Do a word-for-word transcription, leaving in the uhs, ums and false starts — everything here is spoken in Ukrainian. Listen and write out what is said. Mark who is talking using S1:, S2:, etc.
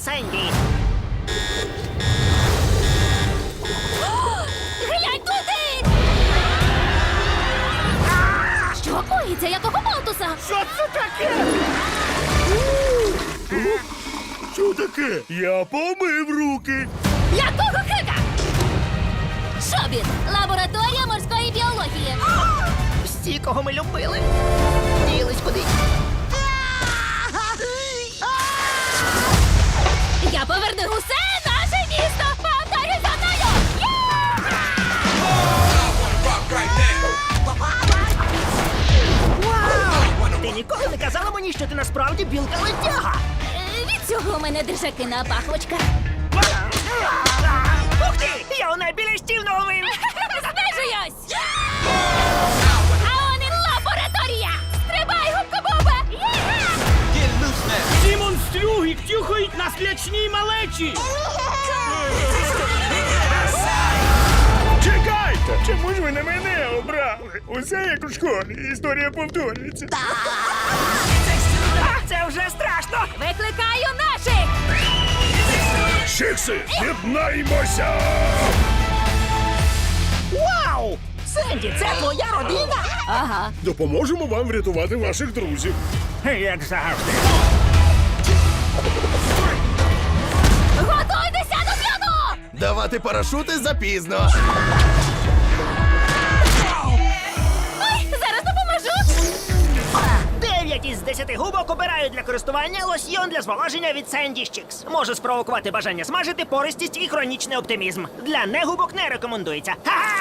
S1: Сенді.
S2: Глянь туди! Що коїться? Якого болтуса?
S1: Що це таке?
S3: Що таке? Я помив руки.
S2: Якого хика? Шобіт! Лабораторія морської біології.
S1: Всі, кого ми любили, ділись куди.
S2: Я поверну усе наше місто! Повторюй за мною!
S1: Вау! Ти ніколи не казала мені, що ти насправді білка-летяга.
S2: Е, Від цього у мене держаки на пахвочках.
S1: Ух ти! Я у найбільш наловив!
S2: Знижуюсь! А он і лабораторія! Стрибай, губка Боба!
S4: Ці монстрюги тюхають на слячній малечі!
S3: Чекайте! Чому ж ви на мене обрали? Усе як у школі. Історія повторюється.
S1: А, це вже страшно!
S2: Викликаю наших!
S3: Шикси, єднаймося!
S1: Вау! Сенді, це твоя родина?
S2: Ага.
S3: Допоможемо вам врятувати ваших друзів.
S1: Як завжди.
S2: Готуйтеся до п'яну!
S5: Давати парашути запізно.
S2: Ой, зараз допоможу!
S1: Дев'ять із десяти губок обирають для користування лосьйон для зволоження від Sandy Chicks. Може спровокувати бажання смажити, пористість і хронічний оптимізм. Для негубок не рекомендується. Ха-ха!